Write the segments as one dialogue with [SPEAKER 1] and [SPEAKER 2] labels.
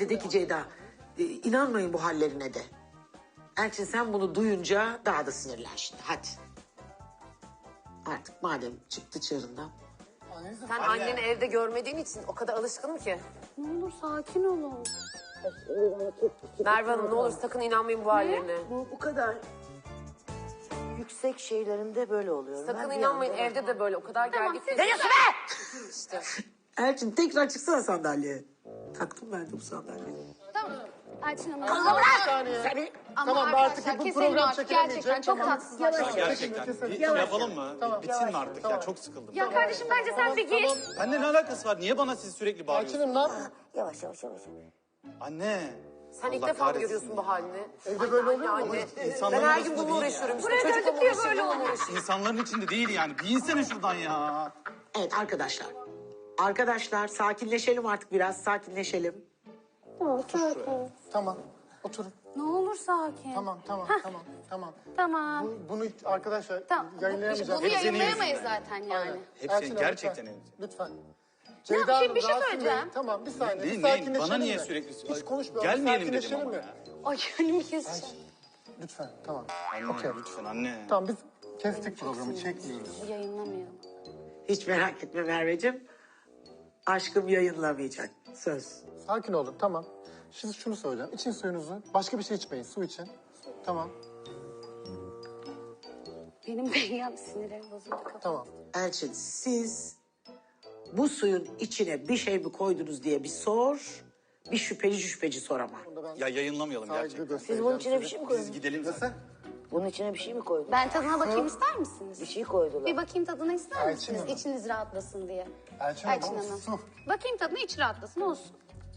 [SPEAKER 1] de de ki Ceyda inanmayın bu hallerine de. Elçin sen bunu duyunca daha da sinirlen şimdi hadi. Artık madem çıktı çığırından.
[SPEAKER 2] Sen anneni evde görmediğin için o kadar alışkınım ki.
[SPEAKER 3] Ne olur sakin olun.
[SPEAKER 2] Merve Hanım ne olur sakın inanmayın bu hallerine.
[SPEAKER 4] Bu kadar yüksek şeylerinde böyle oluyor.
[SPEAKER 2] Sakın
[SPEAKER 4] Ben bir
[SPEAKER 2] inanmayın
[SPEAKER 4] anda-
[SPEAKER 2] evde de böyle o kadar gergin.
[SPEAKER 4] Ne diyorsun be?
[SPEAKER 2] İşte.
[SPEAKER 1] Elçin tekrar çıksana sandalyeye. Taktım ben de bu sandalyeye.
[SPEAKER 3] Tamam. Elçin Hanım.
[SPEAKER 4] Seni
[SPEAKER 3] Ama
[SPEAKER 5] Tamam, artık
[SPEAKER 3] arkadaşlar
[SPEAKER 5] bu
[SPEAKER 3] keselim
[SPEAKER 5] program
[SPEAKER 3] artık.
[SPEAKER 5] çekilemeyecek.
[SPEAKER 3] Gerçekten çok
[SPEAKER 5] Tamam.
[SPEAKER 3] tatsızlaştı.
[SPEAKER 6] Gerçekten bir şey yapalım mı? Bitsin mi artık ya? Çok sıkıldım.
[SPEAKER 3] Ya kardeşim bence sen bir git.
[SPEAKER 6] Bende ne alakası var? Niye bana siz sürekli bağırıyorsunuz?
[SPEAKER 5] Elçin'im ne yapıyorsun?
[SPEAKER 4] yavaş yavaş yavaş.
[SPEAKER 6] Anne.
[SPEAKER 2] Sen ilk
[SPEAKER 6] Allah
[SPEAKER 2] defa mı
[SPEAKER 6] kahretsin
[SPEAKER 2] görüyorsun bu halini?
[SPEAKER 5] Evde böyle oluyor mu?
[SPEAKER 2] Anne.
[SPEAKER 6] İnsanların
[SPEAKER 2] Ben her
[SPEAKER 6] arasında
[SPEAKER 2] gün bununla
[SPEAKER 6] değil
[SPEAKER 2] uğraşıyorum işte.
[SPEAKER 3] Buraya
[SPEAKER 2] Çocukla
[SPEAKER 3] geldik diye
[SPEAKER 2] uğraşıyorum,
[SPEAKER 3] böyle
[SPEAKER 2] bununla uğraşıyorum.
[SPEAKER 6] İnsanların içinde değil yani. Bir insene şuradan ya.
[SPEAKER 1] Evet arkadaşlar. Arkadaşlar sakinleşelim artık biraz sakinleşelim.
[SPEAKER 5] Tamam. Oturun.
[SPEAKER 3] Ne olur sakin.
[SPEAKER 5] Tamam.
[SPEAKER 3] Tamam.
[SPEAKER 5] Bunu arkadaşlar
[SPEAKER 3] Tamam.
[SPEAKER 5] yayınlayamayacağız.
[SPEAKER 3] Bunu yayınlayamayız zaten yani.
[SPEAKER 6] Hepsini
[SPEAKER 5] Elçin Hanım,
[SPEAKER 6] gerçekten
[SPEAKER 5] lütfen.
[SPEAKER 3] Ya,
[SPEAKER 5] Ceyda Hanım,
[SPEAKER 3] bir şey
[SPEAKER 5] Rasim
[SPEAKER 3] söyleyeceğim.
[SPEAKER 5] Bey, tamam bir saniye.
[SPEAKER 6] Neyin,
[SPEAKER 5] bir
[SPEAKER 6] neyin?
[SPEAKER 5] sakinleşelim
[SPEAKER 6] Bana niye
[SPEAKER 5] mi?
[SPEAKER 6] sürekli...
[SPEAKER 5] Hiç konuşmayalım.
[SPEAKER 6] Gelmeyelim dedim
[SPEAKER 5] sakinleşelim
[SPEAKER 6] ama
[SPEAKER 5] mi?
[SPEAKER 6] ya.
[SPEAKER 3] Ay önümü keseceğim.
[SPEAKER 5] Lütfen tamam.
[SPEAKER 6] Anne lütfen anne.
[SPEAKER 5] Tamam biz kestik programı çekmiyoruz.
[SPEAKER 3] Yayınlamayalım.
[SPEAKER 1] Hiç merak etme Merveciğim. Aşkım yayınlamayacak. Söz.
[SPEAKER 5] Sakin olun tamam. Siz şunu söyleyeceğim. İçin suyunuzu. Başka bir şey içmeyin. Su için. Tamam.
[SPEAKER 3] Benim benim sinirlerim bozuldu.
[SPEAKER 5] Tamam.
[SPEAKER 1] Elçin siz bu suyun içine bir şey mi koydunuz diye bir sor. Bir şüpheci sor ama.
[SPEAKER 6] Ya yayınlamayalım
[SPEAKER 5] Saygı
[SPEAKER 6] gerçekten.
[SPEAKER 5] göstereceğim
[SPEAKER 4] Siz bunun içine bir
[SPEAKER 5] size.
[SPEAKER 4] şey mi
[SPEAKER 6] Biz
[SPEAKER 4] koydunuz?
[SPEAKER 6] gidelim zaten.
[SPEAKER 4] Bunun içine bir şey mi koydunuz?
[SPEAKER 3] Ben tadına bakayım ister misiniz?
[SPEAKER 4] Bir şey koydular.
[SPEAKER 3] Bir bakayım tadına ister
[SPEAKER 5] Elçin
[SPEAKER 3] misiniz?
[SPEAKER 5] Hanım.
[SPEAKER 3] İçiniz rahatlasın diye.
[SPEAKER 5] Elçin
[SPEAKER 3] Elçin
[SPEAKER 5] Hanım,
[SPEAKER 3] Hanım.
[SPEAKER 5] su.
[SPEAKER 3] Bakayım tadına iç rahatlasın olsun.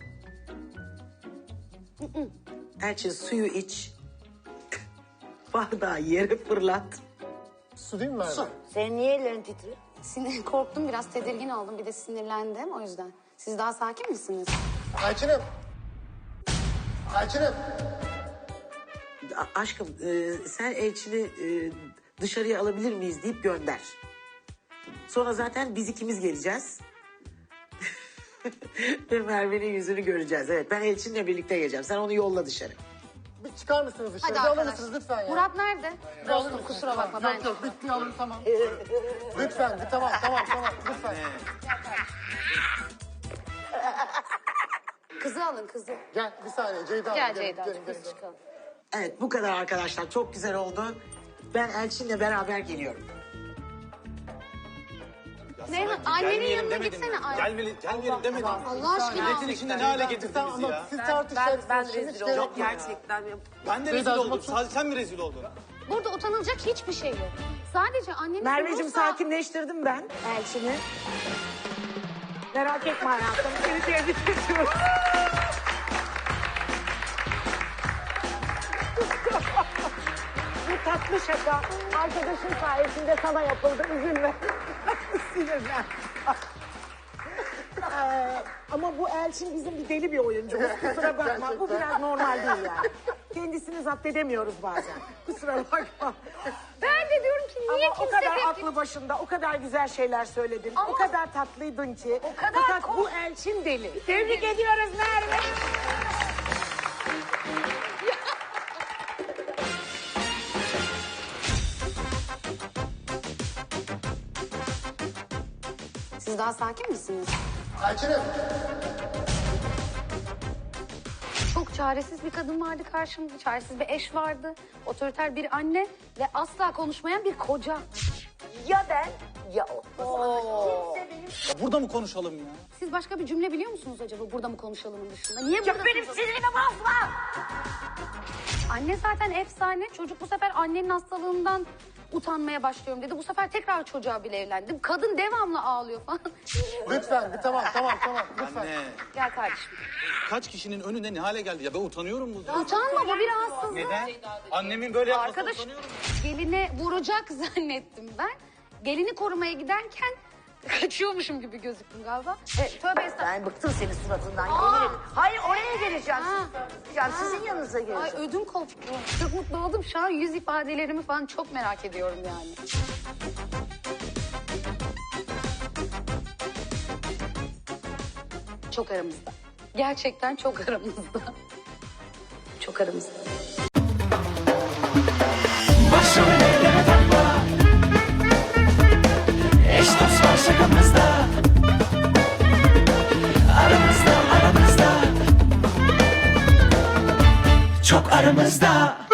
[SPEAKER 1] Elçin suyu iç. Bardağı yere fırlat.
[SPEAKER 5] Su değil mi Merve?
[SPEAKER 1] Su.
[SPEAKER 4] Senin niye ellerin titriyor?
[SPEAKER 3] Korktum biraz tedirgin oldum bir de sinirlendim o yüzden. Siz daha sakin misiniz?
[SPEAKER 5] Elçin'im. Elçin'im.
[SPEAKER 1] Aşkım sen Elçin'i dışarıya alabilir miyiz deyip gönder. Sonra zaten biz ikimiz geleceğiz. Ve Merve'nin yüzünü göreceğiz. Evet ben Elçin'le birlikte geleceğim. Sen onu yolla dışarı.
[SPEAKER 5] Bir çıkar mısınız dışarı?
[SPEAKER 3] Hadi
[SPEAKER 5] Bir alır
[SPEAKER 3] arkadaş.
[SPEAKER 5] mısınız lütfen ya?
[SPEAKER 3] Murat nerede?
[SPEAKER 5] Alır
[SPEAKER 3] Dostum
[SPEAKER 5] mısınız?
[SPEAKER 3] kusura bakma
[SPEAKER 5] Tamam.
[SPEAKER 3] ben.
[SPEAKER 5] Yok bitti alın tamam. Lütfen bir tamam lütfen.
[SPEAKER 3] Kızı alın kızı.
[SPEAKER 5] Gel bir saniye Ceyda Hanım.
[SPEAKER 3] Gel
[SPEAKER 5] gelin,
[SPEAKER 3] Ceyda
[SPEAKER 5] gelin,
[SPEAKER 3] biz
[SPEAKER 5] gelin.
[SPEAKER 3] çıkalım.
[SPEAKER 1] Evet bu kadar arkadaşlar. Çok güzel oldu. Ben Elçin'le beraber geliyorum.
[SPEAKER 3] Ne? Annenin
[SPEAKER 6] Gelmeyelim
[SPEAKER 3] yanına
[SPEAKER 6] demedim
[SPEAKER 3] gitsene.
[SPEAKER 6] mi?
[SPEAKER 3] Ay.
[SPEAKER 6] Gelmeyelim demedim.
[SPEAKER 3] Allah aşkına.
[SPEAKER 6] Milletin içinde ne hale getirdiniz
[SPEAKER 5] Ama
[SPEAKER 6] ya?
[SPEAKER 5] siz
[SPEAKER 2] Ben
[SPEAKER 5] tartışacaksınız.
[SPEAKER 2] rezil
[SPEAKER 5] Hiç
[SPEAKER 2] oldum
[SPEAKER 5] gerek yok.
[SPEAKER 2] gerçekten.
[SPEAKER 6] Ben de rezil
[SPEAKER 5] Ceyda'cığım,
[SPEAKER 6] oldum.
[SPEAKER 5] otur.
[SPEAKER 6] Sadece sen mi rezil oldun?
[SPEAKER 3] Burada utanılacak hiçbir şey yok. Sadece annenin
[SPEAKER 1] Merveciğim
[SPEAKER 3] olursa-
[SPEAKER 1] sakinleştirdim ben Elçin'i. Merak etme hayatım. Seni tebrik ediyorum. Bu tatlı şaka arkadaşın sayesinde sana yapıldı. Üzülme. Sinirlen. Ama bu Elçin bizim bir deli bir oyuncu. Kusura bakma. Bu biraz normal değil yani. Kendisini zapt edemiyoruz bazen. Kusura bakma.
[SPEAKER 3] Ben de diyorum ki niye
[SPEAKER 1] Ama o
[SPEAKER 3] kimse
[SPEAKER 1] kadar
[SPEAKER 3] tepki...
[SPEAKER 1] aklı başında, o kadar güzel şeyler söyledin.
[SPEAKER 3] Ama-
[SPEAKER 1] O kadar tatlıydın ki.
[SPEAKER 3] O kadar
[SPEAKER 1] Fakat bu Elçin deli. Tebrik ediyoruz Merve.
[SPEAKER 3] Siz daha sakin misiniz?
[SPEAKER 5] Elçin'im.
[SPEAKER 3] Çok çaresiz bir kadın vardı karşımda. Çaresiz bir eş vardı. Otoriter bir anne ve asla konuşmayan bir koca.
[SPEAKER 4] Ya ben ya o.
[SPEAKER 6] Ya burada mı konuşalım ya?
[SPEAKER 3] Siz başka bir cümle biliyor musunuz acaba burada mı konuşalımın dışında? Niye burada
[SPEAKER 4] Benim
[SPEAKER 3] konuşalım?
[SPEAKER 4] sinirimi bozma.
[SPEAKER 3] Anne zaten efsane. Çocuk bu sefer annenin hastalığından utanmaya başlıyorum dedi. Bu sefer tekrar çocuğa bile evlendi. Kadın devamlı ağlıyor falan.
[SPEAKER 5] Lütfen bir tamam lütfen.
[SPEAKER 6] Anne.
[SPEAKER 3] Gel kardeşim.
[SPEAKER 6] Kaç kişinin önünde ne hale geldi ya? Ben utanıyorum bu.
[SPEAKER 3] Utanma bu bir rahatsızlık.
[SPEAKER 6] Neden? Annemin böyle yapmasına
[SPEAKER 3] Arkadaş
[SPEAKER 6] utanıyorum.
[SPEAKER 3] geline vuracak zannettim ben. Gelini korumaya giderken kaçıyormuşum gibi gözüktüm galiba. Tövbe estağfurullah.
[SPEAKER 4] Ben bıktım senin suratından.
[SPEAKER 3] Aa!
[SPEAKER 4] Yemin ederim. Hayır oraya geleceğim.
[SPEAKER 3] Ha.
[SPEAKER 4] Ya sizin yanınıza
[SPEAKER 3] Ay
[SPEAKER 4] geleceğim.
[SPEAKER 3] ödüm koptu. Çok mutlu oldum. Şu an yüz ifadelerimi falan çok merak ediyorum yani. Çok aramızda. Gerçekten çok aramızda. Çok aramızda.
[SPEAKER 7] Başımı elleme takma. Eş dost var şakamızda. Aramızda, aramızda. Çok aramızda.